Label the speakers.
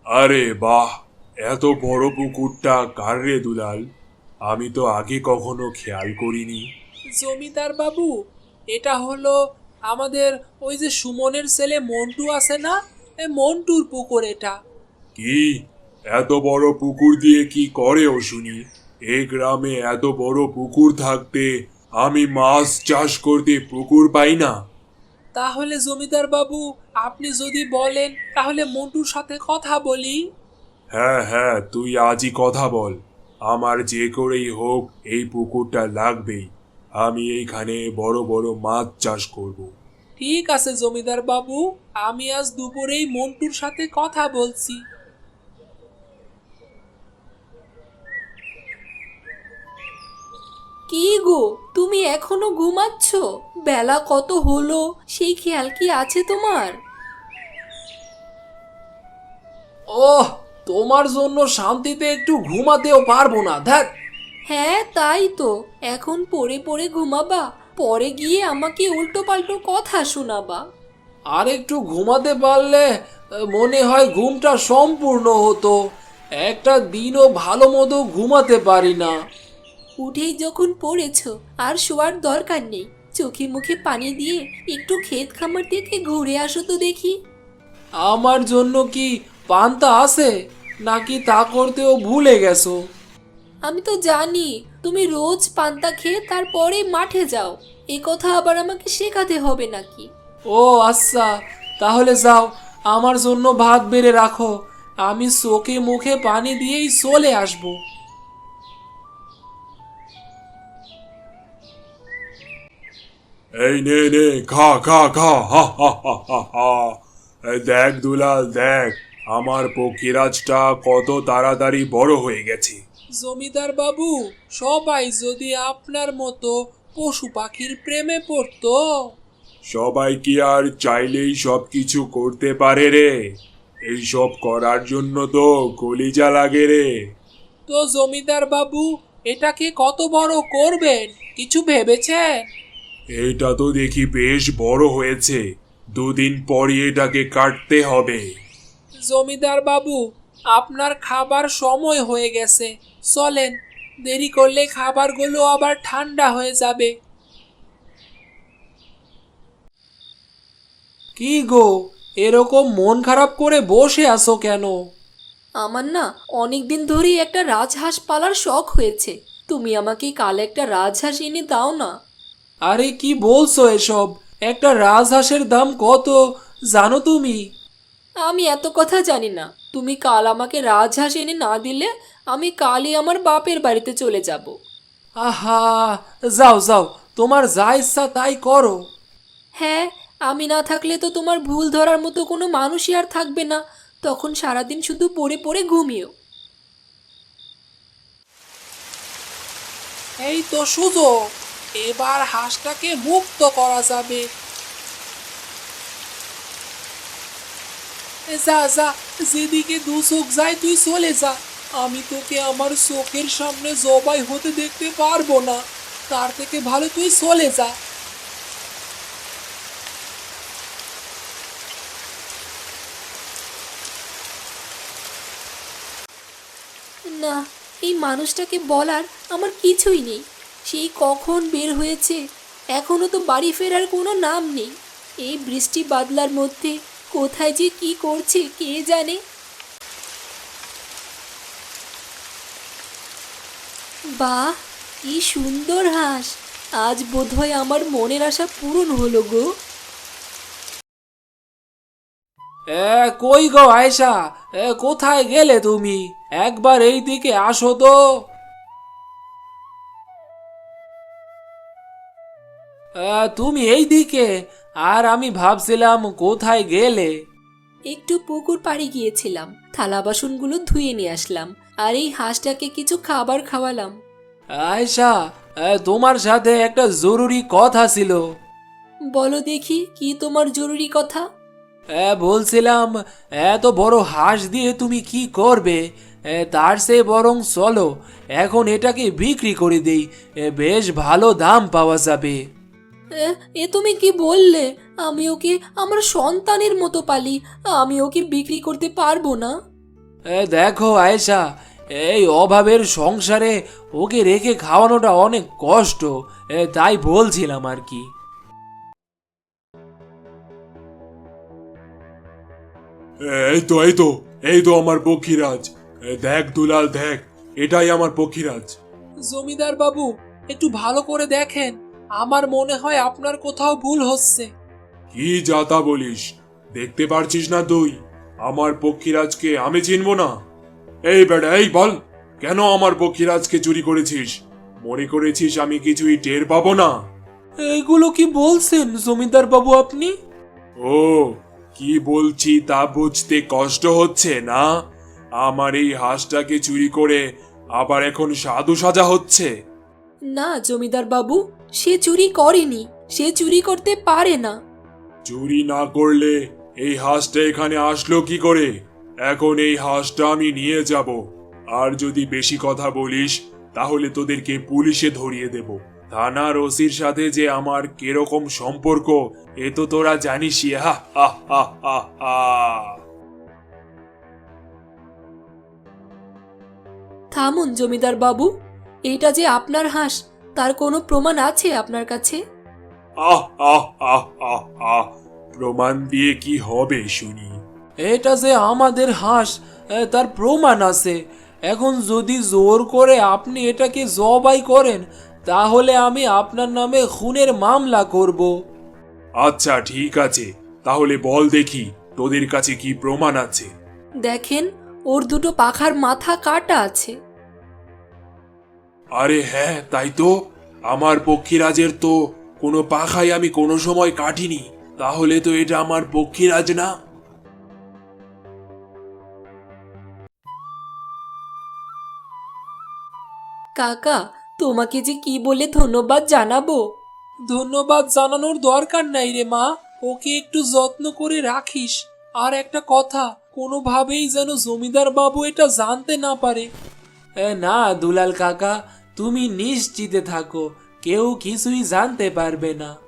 Speaker 1: আরে বাহ, এত বড় পুকুরটা কার রে দুলাল? আমি তো আগে কখনো খেয়াল করিনি।
Speaker 2: জমিদার বাবু, এটা হলো আমাদের ওই যে সুমনের ছেলে মন্টু আছে না, এই মন্টুর পুকুর এটা।
Speaker 1: কি, এত বড় পুকুর দিয়ে কি করে ও শুনি? এই গ্রামে এত বড় পুকুর থাকতে আমি মাছ চাষ করতে পুকুর পাই না?
Speaker 2: তাহলে জমিদার বাবু, আপনি যদি বলেন তাহলে মন্টুর সাথে কথা বলি।
Speaker 1: হ্যাঁ হ্যাঁ, তুই আজই কথা বল। আমার যে করেই হোক এই পুকুরটা লাগবেই। আমি এইখানে বড় বড় মাছ চাষ করব।
Speaker 2: ঠিক আছে জমিদার বাবু, আমি আজ দুপুরেই মন্টুর সাথে কথা বলছি।
Speaker 3: কি গো, তুমি এখনো ঘুমাচ্ছ? বেলা কত হলো সেই খেয়াল কি আছে তোমার?
Speaker 2: ওহ, তোমার জন্য শান্তিতে একটু ঘুমাতেও পারবো না, ধ্যাত।
Speaker 3: হ্যাঁ তাই তো, এখন পড়ে পড়ে ঘুমাবা, পরে গিয়ে আমাকে উল্টো পাল্টো কথা শোনাবা।
Speaker 2: আর একটু ঘুমাতে পারলে মনে হয় ঘুমটা সম্পূর্ণ হতো। একটা দিনও ভালো মতো ঘুমাতে পারি না।
Speaker 3: উঠেই যখন পড়েছ, আর শোয়ার দরকার নেই। চোখে মুখে পানি দিয়ে একটু ক্ষেত খামার থেকে ঘুরে আসো তো দেখি।
Speaker 2: আমার জন্য কি পান্তা আছে, নাকি তা করতেও ভুলে গেছো?
Speaker 3: আমি তো জানি তুমি রোজ পান্তা খেয়ে তারপরে মাঠে যাও, এ কথা আবার আমাকে শেখাতে হবে নাকি?
Speaker 2: ও আচ্ছা, তাহলে যাও, আমার জন্য ভাত বেড়ে রাখো। আমি চোখে মুখে পানি দিয়েই চলে আসবো।
Speaker 1: এই নে নে, খা খা খা, হা হা হা হা হা। এই দেখ দুলাল, দেখ আমার পক্ষীরাজটা কত তাড়াতাড়ি বড় হয়ে গেছে।
Speaker 2: জমিদার বাবু, সবাই যদি আপনার মতো পশু পাখির প্রেমে পড়তো।
Speaker 1: সবাই কি আর চাইলেই সব কিছু করতে পারে রে? এইসব করার জন্য তো কলিজা লাগে রে।
Speaker 2: তো জমিদার বাবু, এটাকে কত বড় করবেন, কিছু ভেবেছেন?
Speaker 1: এইটা তো দেখি বেশ বড় হয়েছে। দুদিন পরই এটাকে কাটতে হবে।
Speaker 2: জমিদার বাবু, আপনার খাবার সময় হয়ে গেছে, চলেন। দেরি করলে খাবারগুলো আবার ঠান্ডা হয়ে যাবে। কি গো, এরকম মন খারাপ করে বসে আছো কেন?
Speaker 3: আমার না অনেক দিন ধরেই একটা রাজহাঁস পালার শখ হয়েছে। তুমি আমাকে কাল একটা রাজহাঁস এনে দাও না।
Speaker 2: আরে কি বলছো এসব? একটা রাজহাঁসের দাম কত জানো তুমি?
Speaker 3: আমি এত কথা জানি না। তুমি কাল আমাকে রাজহাঁস এনে না দিলে আমি কালই আমার বাপের বাড়িতে চলে যাব।
Speaker 2: আহা, যাও যাও, তোমার যা ইচ্ছা তাই করো।
Speaker 3: হ্যাঁ, আমি না থাকলে তো তোমার ভুল ধরার মতো কোনো মানুষই আর থাকবে না। তখন সারাদিন শুধু পড়ে পড়ে ঘুমিও।
Speaker 2: এই তো সুযোগ, এবার হাঁসটাকে মুক্ত করা যাবে। যা যা, যেদিকে দু চোখ যায় তুই চলে যা। আমি তোকে আমার চোখের সামনে জবাই হতে দেখতে পারবো না। তার থেকে ভালো তুই চলে যা।
Speaker 3: না, এই মানুষটাকে বলার আমার কিছুই নেই। সেই কখন বের হয়েছে, এখনো তো বাড়ি ফেরার কোনো নাম নেই। এই বৃষ্টি বাদলার মধ্যে কোথায় যে কি করছে কে জানে। বাহ, কি সুন্দর হাঁস! আজ বোধহয় আমার মনের আশা পূরণ হলো গো।
Speaker 2: কই গো আয়সা, কোথায় গেলে তুমি? একবার এই দিকে আসো তো। তুমি এই দিকে? আর আমি ভাবছিলাম কোথায় গেলে।
Speaker 3: একটু পুকুর পাড়ে গিয়েছিলাম, থালা বাসনগুলো ধুয়ে নিয়ে আসলাম, আর এই হাঁসটাকে কিছু খাবার খাওয়ালাম।
Speaker 2: আয়সা, তোমার সাথে একটা জরুরি কথা ছিল।
Speaker 3: বলো দেখি, কি তোমার জরুরি কথা?
Speaker 2: বলছিলাম, এত বড় হাঁস দিয়ে তুমি কি করবে? তার চেয়ে বরং চলো এখন এটাকে বিক্রি করে দেই। বেশ ভালো দাম পাওয়া যাবে।
Speaker 3: এ এ তুমি কি বললে? আমি ওকে আমার সন্তানের মতো পালি, আমি ওকে বিক্রি করতে পারবো না।
Speaker 2: দেখো আয়েশা, এই অভাবের সংসারে ওকে রেখে খাওয়ানোটা অনেক কষ্ট, তাই বলছিলাম আর কি।
Speaker 1: এই তো আমার পক্ষীরাজ। দেখ দুলাল, দেখ, এটাই আমার পক্ষীরাজ।
Speaker 2: জমিদার বাবু, একটু ভালো করে দেখেন, আমার মনে হয় আপনার কোথাও ভুল হচ্ছে।
Speaker 1: কি যাতা বলিস? দেখতে পারছিস না তুই আমার পক্ষীরাজকে আমি চিনব না? এই বেটা, এই বল, কেন আমার পক্ষীরাজকে চুরি করেছিস? মনে করেছিস আমি কিছুই টের পাবো না?
Speaker 2: এগুলো কি বলছেন জমিদার বাবু আপনি?
Speaker 1: ও, কি বলছি তা বুঝতে কষ্ট হচ্ছে না? আমার এই হাঁসটাকে চুরি করে আবার এখন সাধু সাজা হচ্ছে?
Speaker 3: না জমিদার বাবু, সে চুরি করেনি, সে চুরি করতে পারে না।
Speaker 1: চুরি না করলে এই হাঁসটা এখানে আসলো কি করে? এখন এই হাঁসটা আমি নিয়ে যাব, আর যদি বেশি কথা বলিস তাহলে তোদেরকে পুলিশে ধরিয়ে দেব। থানার ওসির সাথে যে আমার কিরকম সম্পর্ক এ তো তোরা জানিসই। হা হা হা হা হা।
Speaker 3: থামুন জমিদার বাবু, এটা যে আপনার হাঁস তার কোনো প্রমাণ আছে আপনার কাছে?
Speaker 1: আহ আহ আহ আহ আহ, প্রমাণ দিয়ে কি হবে শুনি?
Speaker 2: এটা যে আমাদের হাঁস, তার প্রমাণ আছে। এখন যদি জোর করে আপনি এটাকে জবাই করেন, তাহলে আমি আপনার নামে খুনের মামলা করব।
Speaker 1: আচ্ছা ঠিক আছে, তাহলে বল দেখি তোদের কাছে কি প্রমাণ আছে।
Speaker 3: দেখেন, ওর দুটো পাখার মাথা কাটা আছে।
Speaker 1: আরে হ্যাঁ, তাই তো। আমার পক্ষীরাজের তো কোনো পাখাই আমি কোনো সময় কাটিনি। তাহলে তো এটা আমার পক্ষীরাজ না।
Speaker 3: কাকা, তোমাকে যে কি বলে ধন্যবাদ জানাবো।
Speaker 2: ধন্যবাদ জানানোর দরকার নাই রে মা, ওকে একটু যত্ন করে রাখিস। আর একটা কথা, কোনোভাবেই যেন জমিদার বাবু এটা জানতে না পারে। না দুলাল কাকা, তুমি নিশ্চিন্তে থাকো, কেউ কিছুই জানতে পারবে না।